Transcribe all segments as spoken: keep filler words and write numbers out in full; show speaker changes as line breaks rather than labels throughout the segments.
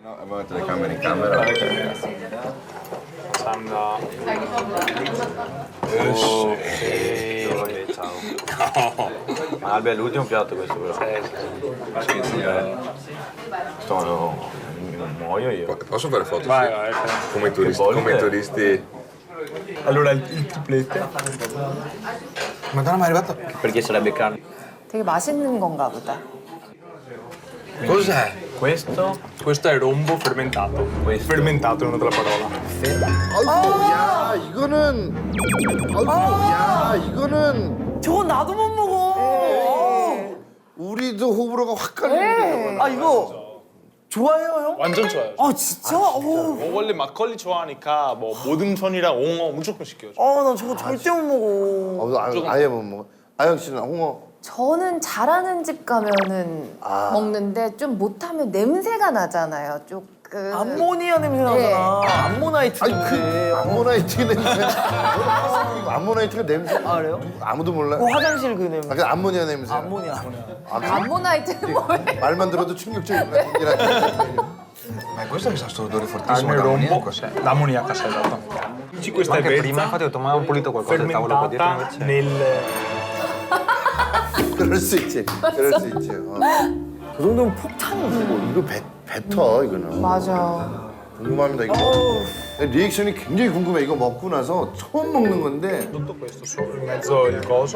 No, abbiamo telecamera in camera.
Sandra.
Oh, sì. Ciao. Ma Albe è l'ultimo piatto questo però.
Sì, sì.
Sto, no, muoio io.
Posso fare foto?
Vai,
Sì?
vai.
Come i turisti.
volte?
Come i turisti.
Allora, il, il triplete.
Madonna, ma è arrivato.
Perché sarebbe carne?
되게 맛있는 건가 보다.
Cos'è?
Questo, questo è rombo fermentato.
Questo.
Fermentato è una della parola.
아이고, 야, 이거는. 아이고, 야, 이거는.
저건 나도 못 먹어.
우리도 호불호가 확 갈리는데.
아 이거 좋아해요 형?
완전 좋아요.
아 진짜? 어,
어, 원래 막걸리 좋아하니까 뭐 모든 천이랑 옹어 무조건 시켜요.
어, 나 저거 절대 못 먹어.
어, 아, 아예 못 먹어. 아영 씨는 홍어.
저는 잘하는 집 가면은
아.
먹는데 좀 못하면 냄새가 나잖아요. 조금.
암모니아 냄새 나잖아. 암모나이트
아니,
냄새.
그 암모나이트 냄새. 암모나이트가 냄새.
아, 그래요?
아무도 몰라.
그 화장실 그 냄새.
아, 그 암모니아 냄새.
암모니아.
아, 그
암모나이트는 뭐예요?
말만 들어도 충격적이구나.
Ma questo che sa sto odore fortissimo
Carne
da
rombo.
ammoniaco, cos'è?
L'ammoniaca sei esatto. Sì, questa è
Anche prima
vezza
infatti ho detto ma ho pulito qualcosa del tavolo qua dietro
fermentata
invece.
nel...
그럴 수 있지. 그럴 수 있지. 어.
그 정도면 폭탄이지.
이거 배, 뱉어, 이거는.
맞아.
궁금합니다, 이거. 리액션이 굉장히 궁금해. 이거 먹고 나서 처음 먹는 건데.
Tutto questo sopra in mezzo il coso.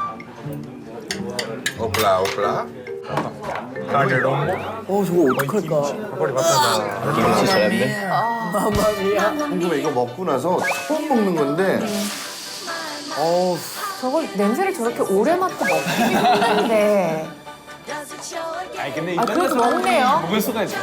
Opla, opla.
Carne rombo.
어 저거 어떡할까?
Poi rifatta da come si sarebbe?
마마미야.
궁금해. 이거 먹고 나서 처음 먹는 건데.
어우.
저걸 냄새를 저렇게 오래 맡고 먹기 힘든데.
아니 근데
아, 그래도 먹네요.
먹을 수가 있어.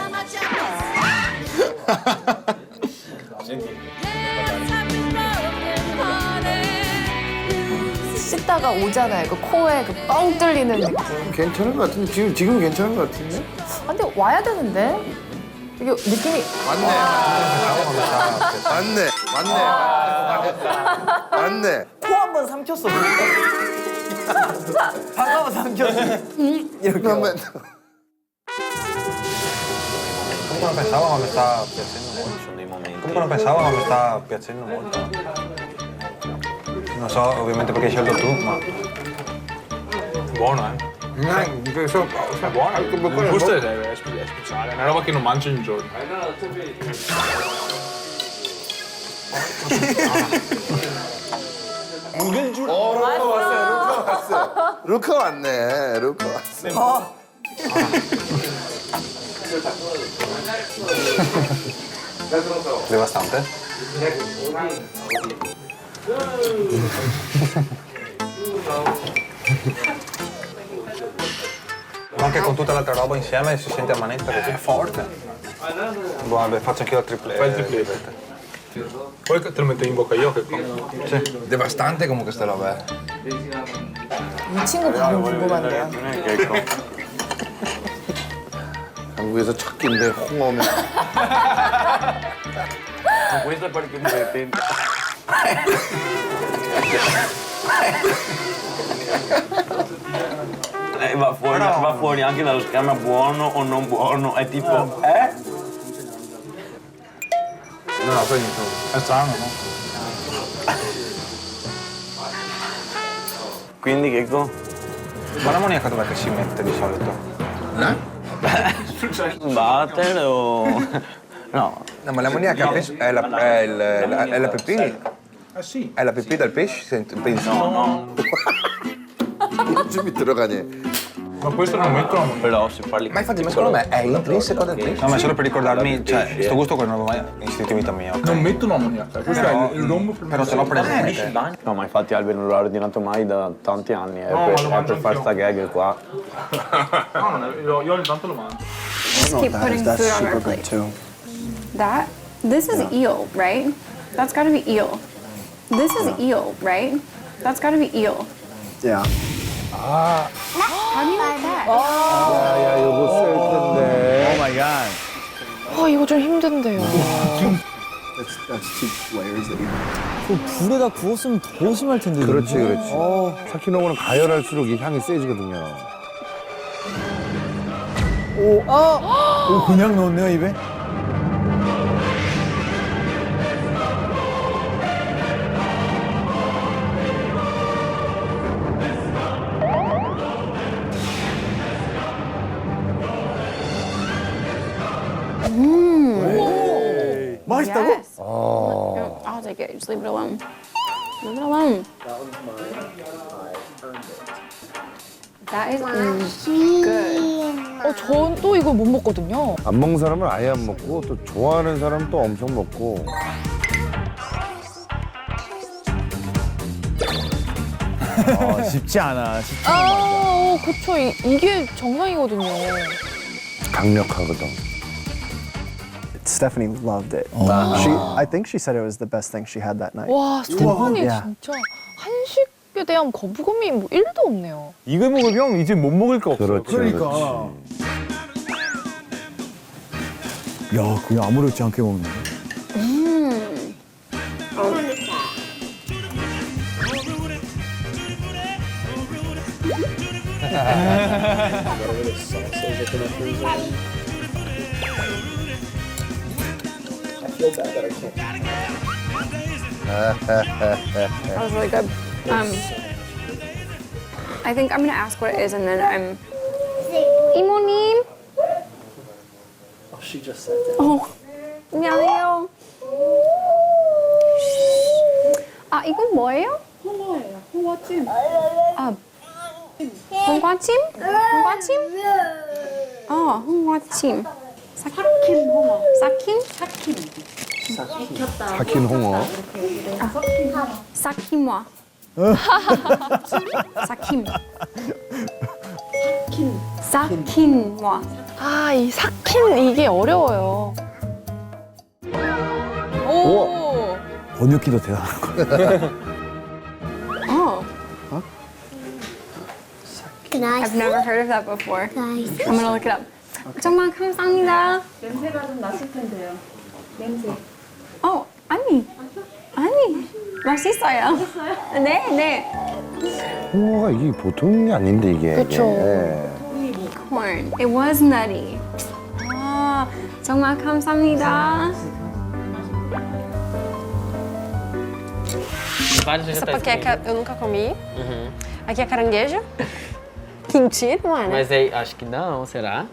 씻다가 오잖아요. 그 코에 그 뻥 뚫리는 느낌.
괜찮은 것 같은데? 지금, 지금 괜찮은 것 같은데?
아, 근데 와야 되는데? 이게 느낌이.
맞네. 맞네. 맞네. 맞네.
코 한 번 삼켰어. 방금 삼켰어. 이렇게.
한번
Comunque non pensavo ma mi sta piacendo molto, ci sono dei momenti. Comunque non pensavo ma mi sta piacendo molto. Non so, ovviamente perché hai scelto tu, ma.
Buono, eh?
No, sono buono.
Il gusto è, è spe- è speciale, è una roba che non mangio in giorno.
어, 루카 왔어요. 루카 왔어. 루카 왔네. 루카 왔어.
Devastante? Ma anche con tutta l'altra roba insieme si sente a manetta così. È forte. Boh, vabbè, faccio anche io il triplete.
Fai il triplete. Poi te lo metto in bocca io che qua.
Devastante comunque sta roba, eh.
이 친구 반응 궁금한데요.
한국에서 첫 끼인데 홍어면.
Questo è perché mi divertente. Lei va fuori, va fuori anche dallo schema buono o non buono, è tipo, eh?
No, no, poi niente.
È strano, no?
Quindi che co? Ma l'ammoniaca dov'è che si mette di solito?
Eh?
Battere o... No.
No, ma l'ammoniaca penso- è la, è il, la, è la pipì.
Eh sì.
È la pipì del pesce, sento- penso.
No, no.
좀 들어가네.
Ma questo non mettono.
Però se parli...
Ma infatti, ma secondo me è intrinseco del pesce.
No, ma solo per ricordarmi, cioè, sto gusto che non avevo mai insistito in vita mia, ok?
Non mettono ammoniaca. Questo
Però-
è il rombo fermentato.
Però ce l'ho presente. No, ma infatti Albe non l'ho ordinato mai da tanti anni, è
No,
per,
ma lo
è
mangio
per fare
anch'io.
sta gag qua.
No, non è, io, io ogni tanto lo mangio.
Just keep putting food on our plate. That, this is eel, right? That's gotta be eel. This is eel, right? That's gotta be eel.
야.
How do you like that?
야, 이거 쓸 텐데.
어, 이거 좀 힘든데요.
그 불에다 구웠으면 더 심할 텐데.
그렇지,
이거.
그렇지.
어.
사키노고는 가열할수록 이 향이 세지거든요.
오, 아! 오, 그냥 넣었네요, 입에? 맛있다고?
Yes. I'll take it. Just leave it alone. Leave it alone. That is mm, good.
어, 전 또 이걸 못 먹거든요.
안 먹는 사람은 아예 안 먹고 또 좋아하는 사람은 또 엄청 먹고.
아, 쉽지 않아. 쉽지 않아.
아, 어, 그쵸. 이, 이게 정상이거든요.
강력하거든.
Stephanie loved it. She, I think she said it was the best thing she had that night.
와, 스테판이
야.
진짜 한식에 대한 거부감이 뭐 일도 없네요.
이거 먹으면 이제 못 먹을 거 없어.
그렇지.
그러니까. 야, 그냥 아무렇지 않게 먹네.
That was really good. Um, I think I'm gonna ask what it is, and then I'm. 이모님.
Oh, she just said that.
어, 안녕하세요. 아, 이건 뭐예요? 홍어예요. 홍어찜. 아, 홍과찜? 홍과찜? 어, 홍어찜. 삭힌 홍어. 삭힌? 삭힌.
삭힌 홍어.
삭힘와. 삭힘. 삭힌와.
아, 이 삭힌 이게 어려워요. 오.
번역기도 대단한 거.
Oh,
Nice.
I've never heard of that before.
Nice.
I'm gonna look it up. 정말 감사합니다.
냄새가 좀 났을 텐데요. 냄새.
어, 아니, 아니, 맛있어요. 네, 네.
홍어가 이게 보통이 아닌데 이게.
그쵸.
이게.
Corn. It was nutty. 아, 정말 감사합니다.
Essa paqueca eu nunca comi. Aqui é caranguejo. Kimchi, não é, né?
Mas aí, acho que não, será?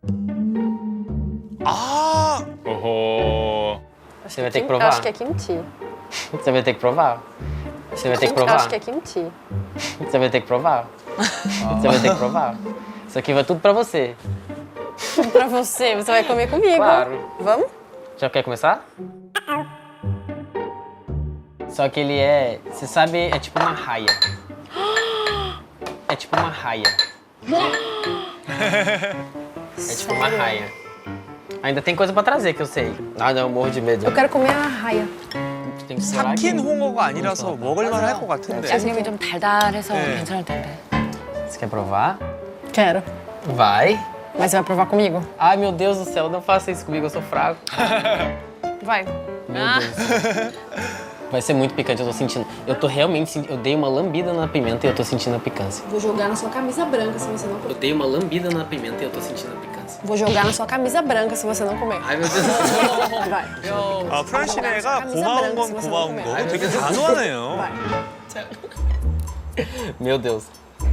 아, 어허.
Você vai ter que
Eu
provar.
acho que é kimchi.
Você vai ter que provar. Você vai ter que
Eu
provar.
acho que é kimchi.
Você vai ter que provar. Você vai ter que provar. Isso aqui vai tudo pra você.
Pra você, você vai comer comigo.
Claro.
Vamos?
Já quer começar? Só que ele é, você sabe, é tipo uma raia. É tipo uma raia. É tipo uma raia. Ainda tem coisa pra trazer que eu sei. Ah, não, eu morro de medo.
Eu quero comer a raia.
Tem que esperar aqui.
삭힌 홍어가 아니라서 먹을만 할 것 같은데.
지금이 좀 달달해서
네.
괜찮을 텐데.
Você quer provar?
Quero.
Vai.
Mas você vai provar comigo?
Ai, meu Deus do céu, não faça isso comigo, eu sou fraco.
Vai.
Meu Deus. Vai ser muito picante, eu tô sentindo. Eu tô realmente sentindo. Eu dei uma lambida na pimenta e eu tô sentindo a picância.
Vou jogar na sua camisa branca se você não
Eu dei uma lambida na pimenta e eu tô sentindo a picância.
Vou jogar na sua camisa branca se você não comer.
Ai, meu Deus do céu.
Vai.
아, 프란시네가 고마운 건 고마운 거. 되게 단호하네요.
Meu Deus.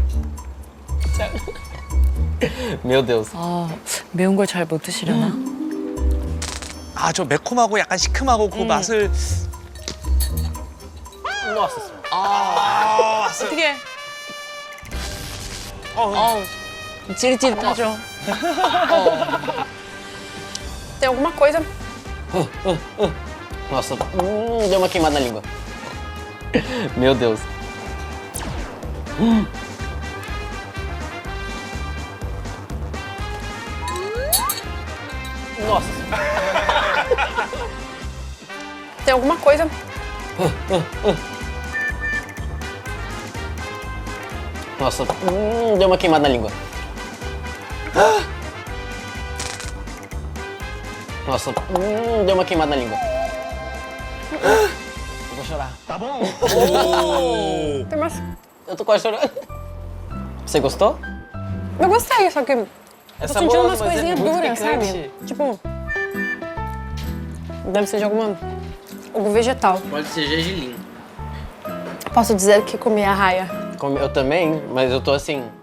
Meu Deus.
아, 매운 걸 잘 못 드시려나?
아, 저 매콤하고 약간 시큼하고 그 맛을.
Nossa senhora.
아,
어떻게?
어,
어, 찌릿찌릿하죠. Tem alguma coisa?
Nossa, hum, deu uma queimada na língua. Meu Deus. Hum. Nossa.
Tem alguma coisa?
Nossa, hum, deu uma queimada na língua. Nossa, hum, deu uma queimada na língua. Eu vou chorar.
Tá bom.
Tem mais.
Eu tô quase chorando. Você gostou?
Eu gostei, só que Eu tô
É
sentindo
saboroso,
umas
mas é
coisinhas
muito
duras,
picante.
sabe? Tipo. Deve ser de alguma. algum vegetal.
Pode ser gergelim.
Posso dizer que comi a raia.
Eu também, mas eu tô assim,